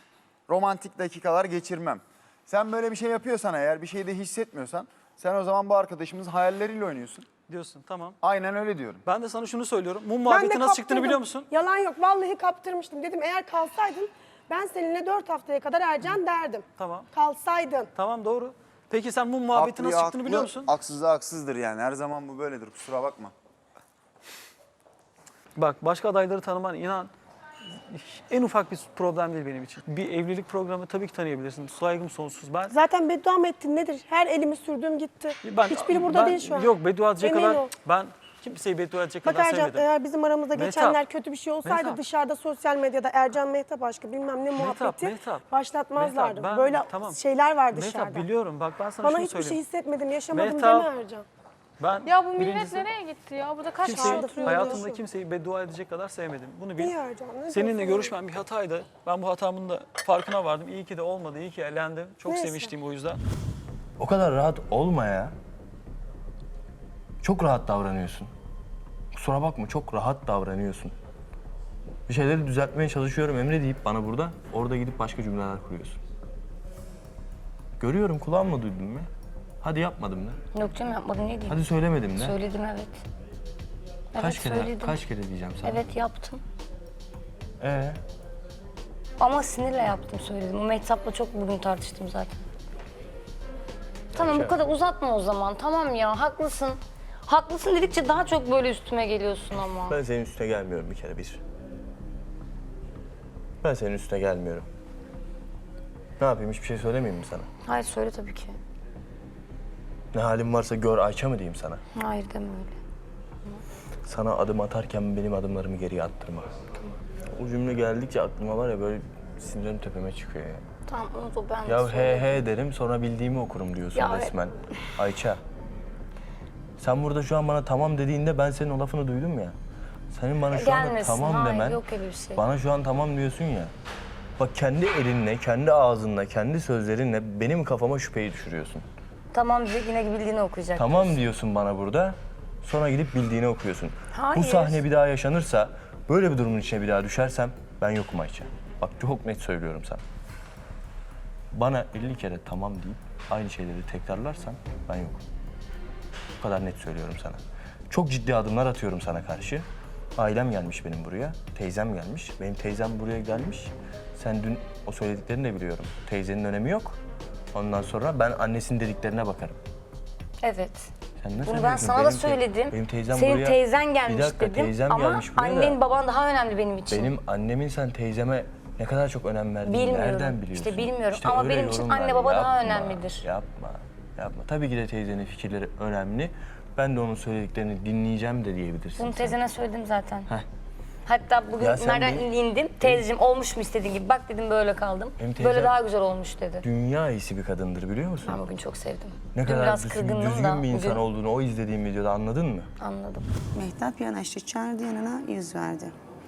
Speaker 10: Romantik dakikalar geçirmem. Sen böyle bir şey yapıyorsan eğer bir şey de hissetmiyorsan sen o zaman bu arkadaşımızın hayalleriyle oynuyorsun.
Speaker 12: Diyorsun tamam.
Speaker 10: Aynen öyle diyorum.
Speaker 12: Ben de sana şunu söylüyorum. Mum
Speaker 4: Ben de
Speaker 12: muhabbeti nasıl çıktığını
Speaker 4: kaptırdım.
Speaker 12: biliyor musun?
Speaker 4: Yalan yok. Vallahi kaptırmıştım. Dedim eğer kalsaydın ben seninle 4 haftaya kadar Ercan derdim.
Speaker 12: Tamam.
Speaker 4: Kalsaydın.
Speaker 12: Tamam doğru. Peki sen mum muhabbeti nasıl çıktığını biliyor musun?
Speaker 10: Haksızlığa haksızdır yani. Her zaman bu böyledir. Kusura bakma.
Speaker 12: Bak başka adayları tanıman inan en ufak bir problem değil benim için. Bir evlilik programı tabii ki tanıyabilirsin. Saygım sonsuz. Ben
Speaker 4: Zaten beddua mı ettin nedir? Her elimi sürdüğüm gitti. Hiçbiri burada değil şu an.
Speaker 12: Yok beddua edecek
Speaker 4: Emin
Speaker 12: kadar
Speaker 4: ol.
Speaker 12: ben kimseyi beddua edecek
Speaker 4: Bak
Speaker 12: kadar
Speaker 4: Ercan
Speaker 12: sevmedim.
Speaker 4: eğer bizim aramızda
Speaker 12: Mehtap.
Speaker 4: geçenler kötü bir şey olsaydı
Speaker 12: Mehtap.
Speaker 4: dışarıda sosyal medyada Ercan Mehtap aşkı bilmem ne muhabbeti
Speaker 12: Mehtap.
Speaker 4: başlatmazlardı.
Speaker 12: Mehtap,
Speaker 4: Böyle
Speaker 12: tamam.
Speaker 4: şeyler var dışarıda.
Speaker 12: Mehtap biliyorum bak ben sana
Speaker 4: Bana
Speaker 12: şunu
Speaker 4: hiçbir şey
Speaker 12: söyleyeyim.
Speaker 4: hissetmedim, yaşamadım
Speaker 12: Mehtap.
Speaker 4: deme Ercan.
Speaker 12: Ben
Speaker 8: Ya bu millet
Speaker 12: birincisi
Speaker 8: nereye gitti ya? Burada kaç kişi
Speaker 12: kimseyi,
Speaker 8: oturuyor?
Speaker 12: hayatımda kimseyi beddua edecek kadar sevmedim. Bunu bil.
Speaker 4: İyi Ercan. ne
Speaker 12: Seninle
Speaker 4: diyorsun?
Speaker 12: görüşmem bir hataydı. Ben bu hatamın da farkına vardım. İyi ki de olmadı. İyi ki elendim. Çok
Speaker 4: Neyse.
Speaker 12: sevinçliyim o yüzden.
Speaker 6: O kadar rahat olma ya. Çok rahat davranıyorsun. Kusura bakma çok rahat davranıyorsun. Bir şeyleri düzeltmeye çalışıyorum Emre deyip bana burada, orada gidip başka cümleler kuruyorsun. Görüyorum, kulağımla duydum ya. Hadi yapmadım da.
Speaker 2: Yok canım yapmadım, ne diyeyim?
Speaker 6: Hadi söylemedim de.
Speaker 2: Söyledim, evet.
Speaker 6: Kaç kere
Speaker 2: söyledim.
Speaker 6: kaç kere diyeceğim sana?
Speaker 2: Evet yaptım.
Speaker 6: Ee,
Speaker 2: Ama sinirle yaptım, söyledim. O Mehtap'la çok bugün tartıştım zaten. Tamam bu kadar uzatma o zaman. Tamam ya, haklısın. Haklısın dedikçe daha çok böyle üstüme geliyorsun ama.
Speaker 6: ben senin üstüne gelmiyorum bir kere bir. Ben senin üstüne gelmiyorum. Ne yapayım, hiçbir şey söylemeyeyim mi sana?
Speaker 2: Hayır söyle tabii ki.
Speaker 6: Ne halin varsa gör Ayça mı diyeyim sana?
Speaker 2: Hayır deme öyle.
Speaker 6: Sana adım atarken benim adımlarımı geriye attırma. O cümle geldikçe aklıma var ya, böyle sinirim tepeme çıkıyor ya.
Speaker 2: Tamam unut o, ben de
Speaker 6: Ya he
Speaker 2: söyledim.
Speaker 6: he derim, sonra bildiğimi okurum diyorsun
Speaker 2: Ya
Speaker 6: resmen. Ayça. Sen burada şu an bana tamam dediğinde ben senin o lafını duydum ya. Senin bana şu anda
Speaker 2: Gelmesin,
Speaker 6: tamam
Speaker 2: hayır,
Speaker 6: demen,
Speaker 2: yok öyle bir şey.
Speaker 6: bana şu an tamam diyorsun ya. Bak kendi elinle, kendi ağzınla, kendi sözlerinle benim kafama şüpheyi düşürüyorsun.
Speaker 2: Tamam dedi, yine bildiğini okuyacak.
Speaker 6: Tamam diyorsun bana burada, sonra gidip bildiğini okuyorsun.
Speaker 2: Hayır.
Speaker 6: Bu sahne bir daha yaşanırsa, böyle bir durumun içine bir daha düşersem ben yokum Ayça. Bak çok net söylüyorum sana. Bana 50 kere tamam deyip aynı şeyleri tekrarlarsan ben yokum. Bu kadar net söylüyorum sana. Çok ciddi adımlar atıyorum sana karşı. Ailem gelmiş benim buraya, teyzem gelmiş. Benim teyzem buraya gelmiş. Sen dün o söylediklerini de biliyorum. Teyzenin önemi yok. Ondan sonra ben annesinin dediklerine bakarım.
Speaker 2: Evet.
Speaker 6: Sen ne
Speaker 2: Bunu ben
Speaker 6: söylüyorsun?
Speaker 2: sana da
Speaker 6: Benim
Speaker 2: söyledim.
Speaker 6: Benim teyzem
Speaker 2: Senin
Speaker 6: buraya...
Speaker 2: teyzen gelmiş
Speaker 6: Bir dakika,
Speaker 2: dedim
Speaker 6: teyzem
Speaker 2: ama
Speaker 6: gelmiş buraya da
Speaker 2: annen baban daha önemli benim için.
Speaker 6: benim annemin sen teyzeme ne kadar çok önem verdiğini
Speaker 2: Bilmiyorum.
Speaker 6: nereden biliyorsun?
Speaker 2: İşte bilmiyorum ama
Speaker 6: öyle
Speaker 2: benim için
Speaker 6: yorumlar
Speaker 2: anne baba daha
Speaker 6: yapma,
Speaker 2: önemlidir.
Speaker 6: Yapma, yapma. Tabii ki de teyzenin fikirleri önemli. Ben de onun söylediklerini dinleyeceğim de diyebilirsin.
Speaker 2: Bunu
Speaker 6: sen.
Speaker 2: teyzene söyledim zaten.
Speaker 6: Heh.
Speaker 2: Hatta bugün
Speaker 6: Ya sen
Speaker 2: nereden
Speaker 6: benim-
Speaker 2: indim, teyzeciğim olmuş mu istediğin gibi? Bak dedim böyle kaldım.
Speaker 6: Benim
Speaker 2: Böyle
Speaker 6: teyzem-
Speaker 2: daha güzel olmuş dedi.
Speaker 6: Dünya iyisi bir kadındır biliyor musun?
Speaker 2: Ben bugün çok sevdim.
Speaker 6: Ne
Speaker 2: Dün
Speaker 6: kadar
Speaker 2: biraz
Speaker 6: düzgün,
Speaker 2: kırgındım
Speaker 6: düzgün
Speaker 2: da
Speaker 6: bir insan
Speaker 2: bugün
Speaker 6: olduğunu o izlediğim videoda anladın mı?
Speaker 2: anladım.
Speaker 5: Mehtap yanaştı, çağırdı yanına, yüz verdi.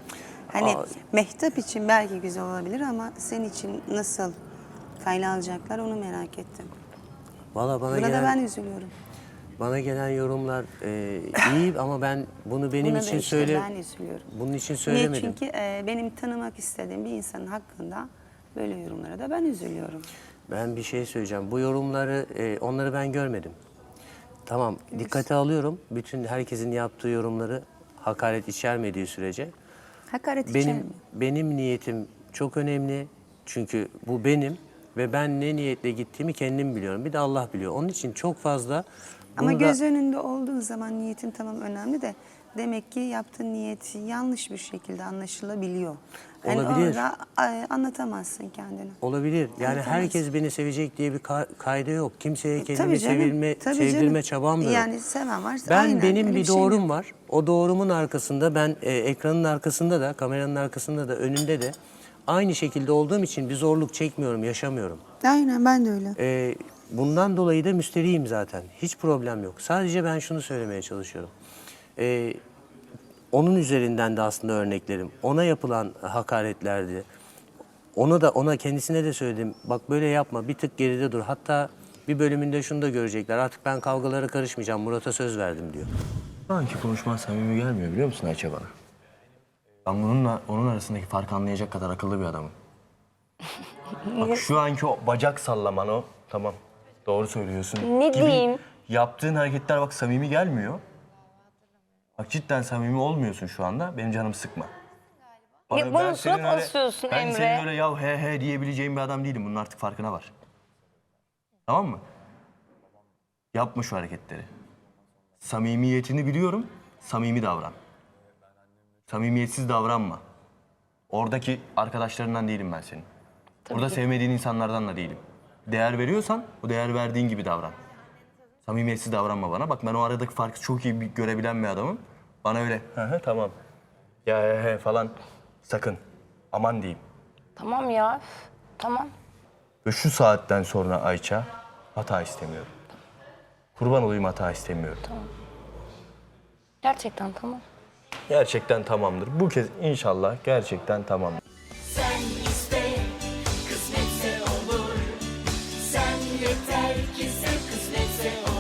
Speaker 5: Hani Mehtap için belki güzel olabilir ama senin için nasıl kayla alacaklar onu merak ettim.
Speaker 11: Valla bana
Speaker 5: Buna da
Speaker 11: gelen,
Speaker 5: ben üzülüyorum.
Speaker 11: bana gelen yorumlar iyi ama ben bunu benim
Speaker 5: Buna da
Speaker 11: için
Speaker 5: işte ben üzülüyorum.
Speaker 11: bunun için
Speaker 5: Niye?
Speaker 11: söylemedim.
Speaker 5: Çünkü benim tanımak istediğim bir insanın hakkında böyle yorumlara da ben üzülüyorum.
Speaker 11: Ben bir şey söyleyeceğim. Bu yorumları, onları ben görmedim. Tamam, dikkate alıyorum. Bütün herkesin yaptığı yorumları hakaret içermediği sürece.
Speaker 5: Hakaret içermiyor.
Speaker 11: Benim niyetim çok önemli. Çünkü bu benim ve ben ne niyetle gittiğimi kendim biliyorum. Bir de Allah biliyor. Onun için çok fazla...
Speaker 5: Ama
Speaker 11: bunu da-
Speaker 5: göz önünde olduğu zaman niyetin tamam önemli de demek ki yaptığın niyeti yanlış bir şekilde anlaşılabiliyor. Yani
Speaker 11: Olabilir.
Speaker 5: orada anlatamazsın kendini.
Speaker 11: Olabilir. Yani
Speaker 5: Anlatamazsın.
Speaker 11: herkes beni sevecek diye bir kayda yok. Kimseye kendimi
Speaker 5: Tabii canım, tabii
Speaker 11: sevdirme
Speaker 5: canım.
Speaker 11: çabam da yok.
Speaker 5: Yani seven varsa
Speaker 11: Ben
Speaker 5: aynen,
Speaker 11: benim
Speaker 5: öyle
Speaker 11: bir
Speaker 5: şey
Speaker 11: doğrum
Speaker 5: yok.
Speaker 11: var. O doğrumun arkasında ben ekranın arkasında da, kameranın arkasında da, önünde de aynı şekilde olduğum için bir zorluk çekmiyorum, yaşamıyorum.
Speaker 5: Aynen ben de öyle.
Speaker 11: Bundan dolayı da müsterihim zaten. Hiç problem yok. Sadece ben şunu söylemeye çalışıyorum. Onun üzerinden de aslında örneklerim. Ona yapılan hakaretlerdi. Ona kendisine de söyledim. Bak böyle yapma, bir tık geride dur. Hatta bir bölümünde şunu da görecekler. Artık ben kavgalara karışmayacağım. Murat'a söz verdim diyor.
Speaker 6: Şu anki konuşman samimi gelmiyor biliyor musun Ayça bana? Ben bununla onun arasındaki farkı anlayacak kadar akıllı bir adamım. Bak şu anki o bacak sallaman o, tamam. Doğru söylüyorsun.
Speaker 2: Ne
Speaker 6: gibi
Speaker 2: diyeyim?
Speaker 6: Yaptığın hareketler bak samimi gelmiyor. Bak cidden samimi olmuyorsun şu anda. Benim canımı sıkma.
Speaker 2: Ya bana
Speaker 6: ben
Speaker 2: surat
Speaker 6: senin öyle-
Speaker 2: asıyorsun
Speaker 6: Ben
Speaker 2: Emre.
Speaker 6: senin öyle ya he he diyebileceğim bir adam değilim. Bunun artık farkına var. Tamam mı? Yapma şu hareketleri. Samimiyetini biliyorum. Samimi davran. Samimiyetsiz davranma. Oradaki arkadaşlarından değilim ben senin. Orada sevmediğin insanlardan da değilim. Değer veriyorsan o değer verdiğin gibi davran. Samimiyetsiz davranma bana. Bak ben o aradaki farkı çok iyi görebilen bir adamım. Bana öyle hı tamam. Ya he falan sakın. Aman diyeyim.
Speaker 2: Tamam ya, üf, tamam.
Speaker 6: Ve şu saatten sonra Ayça hata istemiyorum. Kurban olayım hata istemiyorum.
Speaker 2: Gerçekten tamam.
Speaker 6: Gerçekten tamamdır. Bu kez inşallah gerçekten tamamdır.
Speaker 13: Sen iste, kısmetse olur. Sen yeter ki sen kısmetse olur.